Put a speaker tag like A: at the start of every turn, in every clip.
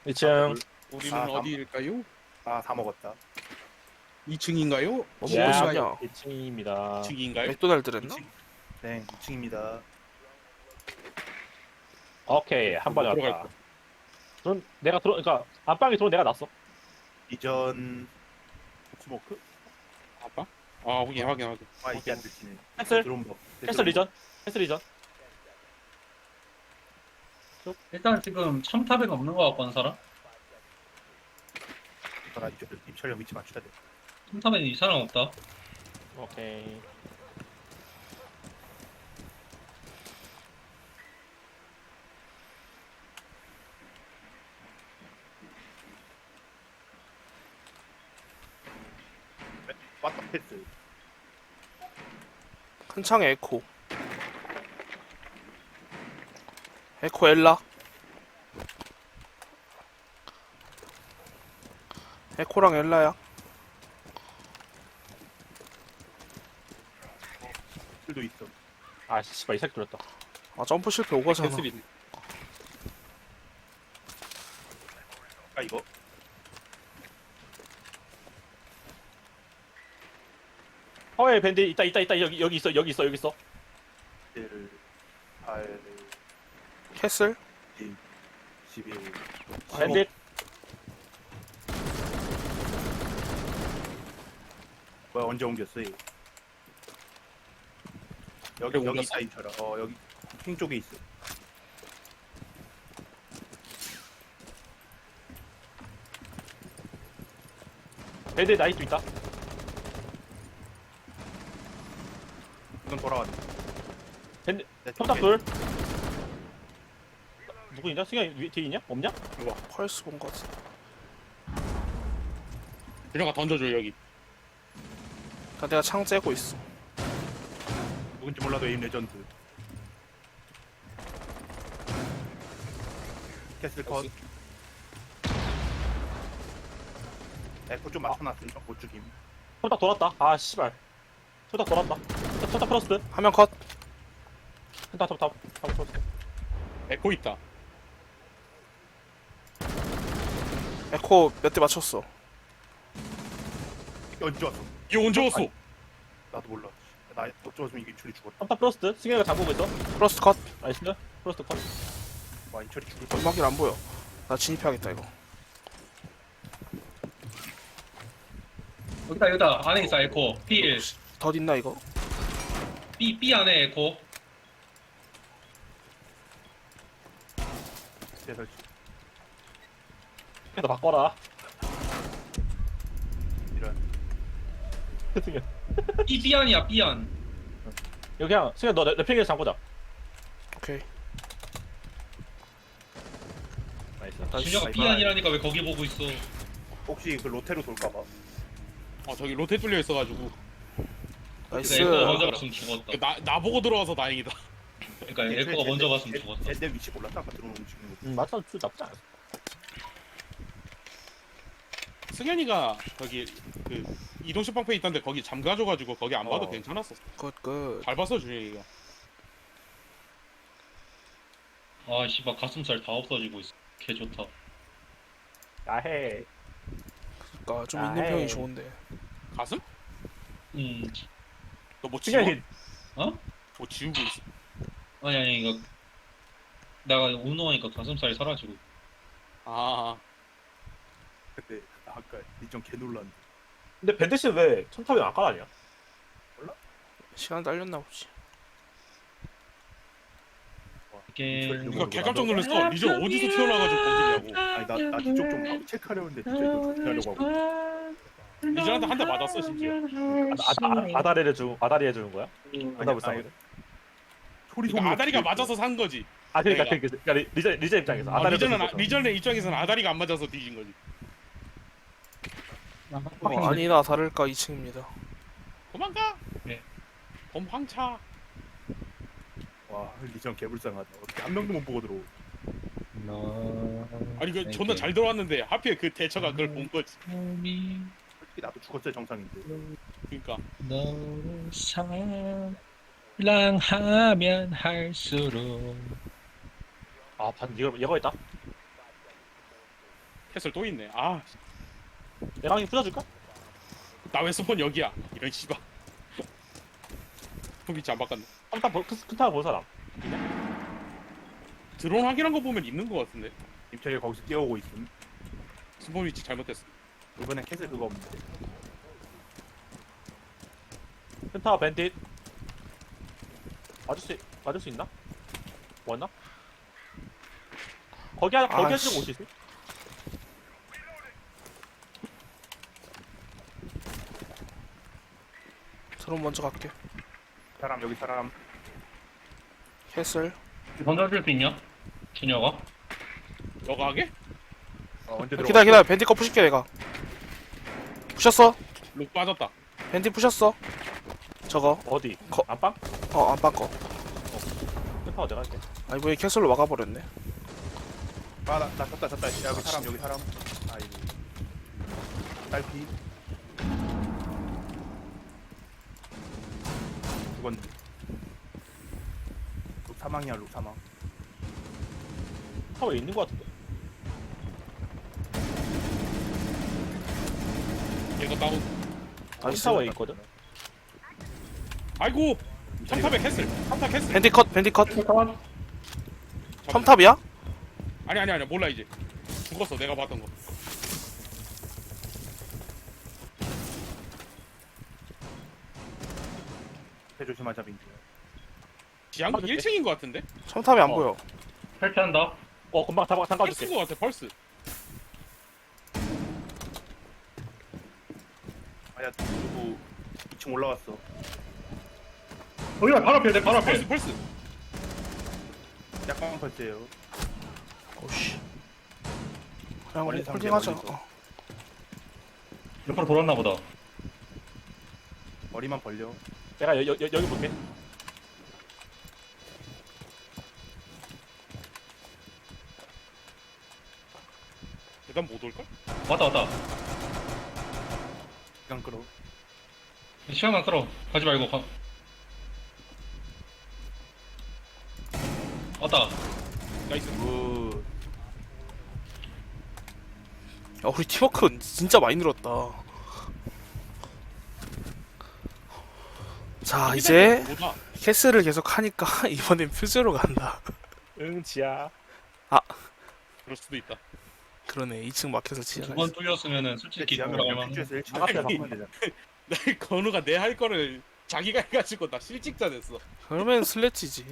A: 2층.
B: 우리는
C: 아,
B: 어디일까요?
C: 다 먹었다.
B: 2층인가요?
D: 뭐 먹고
A: 야,
D: 싶냐?
A: 2층입니다.
B: 2층인가요?
D: 맥도날드랬나?
C: 2층. 네, 2층입니다.
A: 오케이, 한 번에
B: 들어갈
A: 왔다.
B: 거.
A: 그럼 내가 그러니까 안방에 들어온 내가 났어.
C: 이전 스모크?
B: 아빠? 아 확인.
C: 이게 안 들리네.
A: 캔슬,
C: 드론 법.
A: 캔슬 리전, 캔슬 리전.
E: 일단 지금 첨탑에 없는 거 같고 한 사람?
C: 나 입철형 위치 맞춰야 돼.
E: 첨탑에는 이 사람 없다.
A: 오케이.
C: 왔다 패스.
D: 큰 창에 에코. 에코 엘라. 에코랑 엘라야.
C: 실도 있어.
A: 아, 씨발 이 새끼 들었다.
D: 아 점프 실패 오가잖아.
B: 캔슬이네.
C: 이거.
A: 허에 밴드 있다 여기 있어.
C: 1, 8,
D: 캐슬.
C: 11.
A: 밴드.
C: 뭐야 언제 옮겼어? 얘? 여기
B: 그래, 옮겼어?
C: 있다 입철아. 여기 핑 쪽에 있어.
A: 밴드 나이트 있다.
C: 이건 돌아왔네.
A: 밴드
C: 내
A: 첨탑
C: 쪽에.
A: 둘. 누구 있냐? 승현 뒤에 있냐? 없냐?
D: 펄스 본 것 같아.
B: 준영아 던져줘 여기.
D: 그러니까 내가 창 째고 있어.
C: 누군지 몰라도 에임 레전드. 캐슬 컷. 에코 좀 맞춰놨으니까 못 죽임.
A: 첨탑 돌았다. 아, 씨발. 첨탑 돌았다. 첨탑 프로스트.
D: 화면 컷.
A: 첨탑 프로스트.
B: 에코 있다.
D: 에코 몇 대 맞췄어.
C: 언제 왔어?
B: 이거 언제 왔어?
C: 나도 몰라. 나 어쩌면 이게 인철이 죽었다.
A: 첨탑 프로스트. 승현이가 잠그고 있어.
D: 플러스 컷.
A: 나이스. 프로스트 컷.
C: 와 인철이 죽을 뻔.
D: 연막길 안 보여. 나 진입해야겠다 이거.
E: 여기다 안에 있어 에코. B1.
D: 덧 있나 이거?
E: B 안에 에코.
C: 대설치.
A: 너 바꿔라.
C: 이런.
A: 승현.
E: B 안이야 B 안.
A: 여기 그냥 승현 너 랩핑에서 잠그자.
D: 오케이.
A: 나이스.
D: 나이스.
E: 준혁아 B 안이라니까 왜 거기 보고 있어?
C: 혹시 그 로테로 돌까봐.
B: 저기 로테 뚫려 있어가지고.
D: 나이스.
E: 에코가 먼저 갔으면 죽었다.
B: 나 보고 들어와서 다행이다.
E: 그러니까 에코가 먼저 갔으면 죽었다.
C: 내 위치 몰랐다 아까 들어오는 움직이는 거.
A: 맞다. 나쁘지 않았어.
B: 승현이가 저기 그 이동식 방패 있던데 거기 잠가줘가지고 거기 안 봐도 괜찮았어.
D: 굿.
B: 잘 봤어 준영이가.
E: 아 씨발 가슴살 다 없어지고 있어. 개 좋다.
A: 야해.
D: 그러니까 좀
A: 아,
D: 있는
A: 에이.
D: 평이 좋은데.
B: 가슴?
E: 음.
B: 너 뭐 지워?
A: 승현이
E: 어?
B: 뭐 지우고 있어?
E: 아니 이거 내가 운동하니까 가슴살이 사라지고.
B: 아
C: 근데 나 아까 이전 개 놀랐는데.
A: 근데 밴드 씨는 왜 첨탑에 안 깔아냐?
D: 시간 딸렸나 보지.
E: 이게
B: 이거 개 깜짝 놀랐어. 리전 어디서 튀어나와가지고 거기냐고.
C: 아니 나 뒤쪽 좀 체크하려는데 진짜 이거 어떻게 하려고 하고.
B: 리전한테 한 대 맞았어 심지어.
A: 아다리 해주는 거야?
C: 아니,
A: 불쌍하네
C: 소리
B: 그러니까 아다리가 맞아서 산 거지.
A: 아 그러니까
B: 내가.
A: 그러니까 리전 입장에서 아다리
B: 리전의 입장에서는 아다리가 안 맞아서 뒤진 거지.
D: 아니나 다를까 2층입니다.
B: 도망가.
E: 네.
B: 범황차.
C: 와 리전 개불쌍하다. 어떻게 한 명도 못 보고 들어오.
B: 아니 그 존나 잘 들어왔는데 하필 그 대처가 그걸 본 거지.
C: 솔직히 나도 죽었어야 정상인데.
B: 그러니까
F: 너를 사랑하면 할수록
A: 아 반 이거 있다.
B: 캐슬 또 있네. 아,
A: 내가 한개 부숴줄까?
B: 나 왜 스폰 여기야? 이런 씨발. 위치 안 바꿨네.
A: 큰타 본 사람.
B: 드론 확인한 거 보면 있는 거 같은데.
C: 임철이 거기서 뛰어오고 있음.
B: 스폰 위치 잘못됐어.
C: 이번엔 캐슬 그거 없는데.
A: 큰타 밴딧. 맞을 수 있나? 왔나? 거기
D: 아,
A: 지금
D: 씨.
A: 옷이 있어?
D: 드론 먼저 갈게.
C: 사람 여기 사람.
D: 캐슬.
E: 던져줄 수 있냐? 준혁아?
B: 너가 하게?
C: 언제 들어?
D: 기다려. 밴디 거 부실게 내가. 부셨어.
B: 룩 빠졌다.
D: 밴디 부셨어. 저거.
A: 어디?
D: 거-
A: 안방?
D: 안방 거.
A: 큰타워 내가 할게.
D: 아니 왜 캐슬로 막아버렸네.
C: 아나 졌다. 야, 여기 사람 여기 사람. 아이고. 딸피. 죽었네. 룩 사망이야 룩 사망.
A: 타워에 있는 거 같은데.
B: 얘가 다운.
D: 나이스.
A: 타워에 있거든.
B: 아이고. 3탑에 캐슬. 3탑 캐슬.
D: 밴디 컷. 첨탑이야?
B: 아니 몰라 이제. 죽었어 내가 봤던 거.
C: 해 조심하자 민규.
B: 지향 1층인 거 같은데?
D: 첨탑이 안 보여.
E: 탈퇴한다.
A: 금방
B: 펄스인
A: 잠가줄게.
B: 거 같아 펄스.
C: 아야 누구 2층 올라왔어.
E: 여기가 바로 앞에 내 바로 앞에.
B: 펄스.
C: 약간 펄스예요.
D: 오씨. 그냥 우리
C: 멀리
D: 홀딩하자.
C: 상대 멀리서.
E: 옆으로 돌았나 보다.
C: 머리만 벌려.
A: 내가 여기 볼게.
B: 일단 못 올걸?
E: 왔다.
C: 시간 끌어.
E: 시간만 끌어. 가지 말고 가. 왔다.
B: 나이스.
C: 굿.
D: 야, 우리 팀워크 진짜 많이 늘었다. 자, 이제
B: 뭐다?
D: 캐스를 계속 하니까 이번엔 퓨즈로 간다.
A: 응 지야.
B: 그럴 수도 있다.
D: 그러네. 2층 막혀서 지하가
E: 두 번
D: 있어.
E: 뚫렸으면은 솔직히
C: 지하면
E: 돌아갈만.
C: 퓨즈에서 1층
A: 나갔다,
C: 바꾸면 되잖아.
B: 나 건우가 내 할 거를 자기가 해가지고 나 실직자 됐어.
D: 그러면 슬래치지.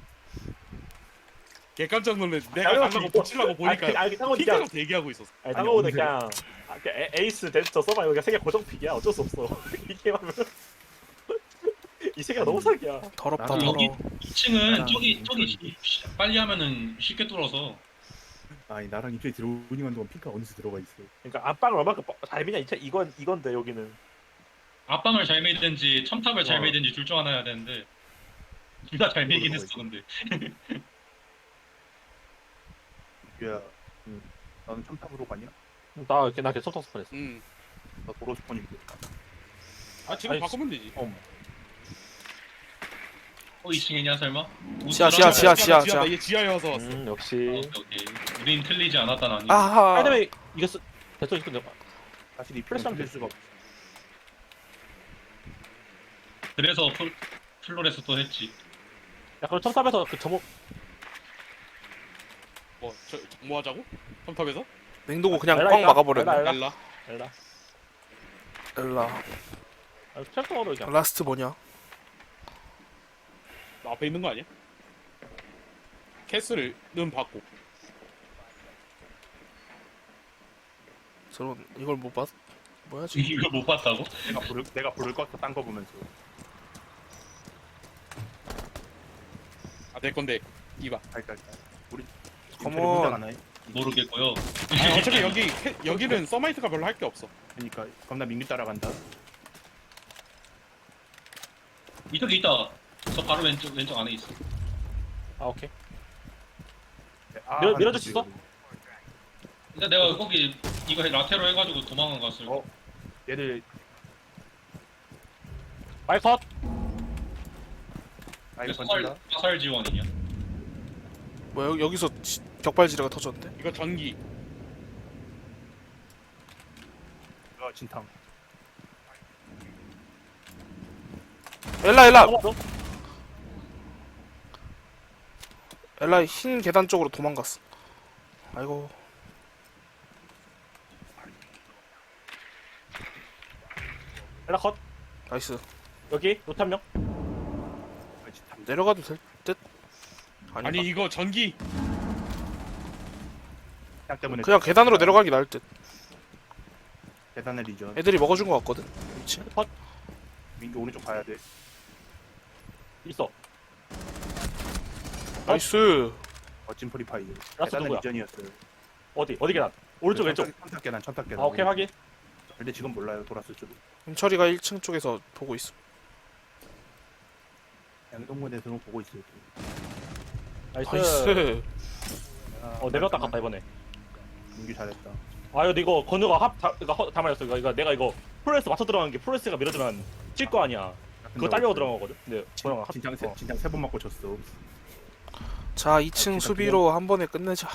B: 개 깜짝 놀래. 내가
A: 당연하지.
B: 가려고 붙이려고 보니까
A: 상호는
B: 피자가
A: 그냥
B: 대기하고 있었어.
A: 상호는 그냥 에이스 데스터 써봐. 이거 세계 고정 픽이야. 어쩔 수 없어. 이게 하면 이 세계가 너무 사기야.
D: 더럽다,
C: 나도
D: 더러워.
E: 여기 2층은
C: 나랑
E: 저기
C: 인터넷이-
E: 빨리 하면은 쉽게 뚫어서.
C: 아니 나랑 입장이 들어오는 동안 핑크가 어디서 들어가 있어.
A: 그러니까 안방을 얼마큼 잘 미냐. 이건데 여기는.
E: 앞방을 잘 메이든지 첨탑을 잘
A: 어.
E: 메이든지 둘 중 하나 해야 되는데 둘 다 잘 메이긴
C: 모르고
E: 했어 근데.
C: 야, 너는 첨탑으로 가냐?
A: 나 계속 터스판했어.
C: 나 도로스폰인데.
B: 아 지금
A: 아니,
B: 바꾸면 되지.
E: 어 2층이냐 설마?
D: 지하.
B: 이게 지하여서 왔어.
A: 역시.
E: 오케이. 우린 틀리지 않았다 나니.
D: 아하.
A: 왜냐면 이거 대충 이거
C: 사실 이
A: 플래시
C: 플래시
A: 하면
C: 될 수가 없어.
E: 그래서 플로레스 또 했지.
A: 야 그럼 첨탑에서 그 점호
B: 뭐 하자고? 컴탑에서?
D: 냉동고 그냥
A: 엘라
D: 꽉
A: 있다.
D: 막아버렸네.
A: 엘라.
B: 엘라.
A: 엘라.
D: 엘라.
A: 철도로 그냥.
D: 라스트 뭐냐?
B: 나 앞에 있는 거 아니야? 캐슬은 받고.
D: 저런 이걸 못 봤? 뭐야 지금?
E: 이걸 못 봤다고?
C: 내가 불을 껐어 딴 거 보면서.
B: 아 내 건데 이봐.
C: 갈까. 우리
D: 컴온.
C: 임철이 혼자 가나요?
E: 모르겠고요.
B: 아니, 어차피 여기는 서마이트가 별로 할 게 없어.
C: 그러니까 그럼 나 민규 따라간다.
E: 이쪽에 있다. 저 바로 왼쪽 안에 있어.
A: 아 오케이.
C: 아,
A: 밀어줄 수 있어?
E: 근데 내가 거기 이거 라테로 해가지고 도망간 갔을.
C: 어? 얘들
A: 마이 컷.
C: 아이가
E: 화살
C: 던진다.
E: 화살 지원이냐?
D: 뭐야 여기서 격발지뢰가 터졌는데?
B: 이거 전기.
C: 진탕.
D: 엘라
A: 넘어서.
D: 엘라 흰 계단 쪽으로 도망갔어. 아이고.
A: 엘라 컷.
D: 나이스.
A: 여기 노트 한 명.
C: 진탕.
D: 내려가도 될 듯. 아니
B: 아니 이거 전기
C: 그냥 때문에
D: 그냥 계단으로 내려가기 나을 듯.
C: 계단의 리전.
D: 애들이 먹어준 것 같거든. 위치.
C: 민규 오른쪽 봐야 돼.
A: 있어.
D: 나이스.
C: 멋진 프리파이어.
A: 라스트
C: 계단의
A: 누구야?
C: 리전이었어요.
A: 어디 계단? 오른쪽 왼쪽.
C: 천탁 계단, 천탁 계단.
A: 아 오케이 확인.
C: 근데 지금 몰라요. 돌았을 줄.
D: 임철이가 1층 쪽에서 보고 있어.
C: 양동근에서는 보고 있어요.
A: 나이스.
D: 나이스.
A: 내렸다 갔다 이번에.
C: 민규 잘했다.
A: 아 근데 이거 건우가 다 말렸어. 이거 내가 이거 프로레스 맞춰 들어가는 게 프로레스가 밀어주면 칠 거 아니야. 그거 딸려고 들어간 거거든. 근데 건우가
C: 진장 세 번 맞고 졌어.
D: 자 2층
C: 진짜
D: 수비로 한 번에 끝내자.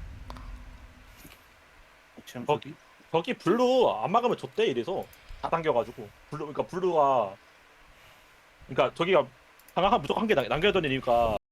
C: 지금
A: 어,
C: 수비?
A: 저기 블루 안 막으면 줬대 이래서 다 당겨가지고 블루가 그러니까 저기가 방금 무조건 한 개 남겨야 되는 이유가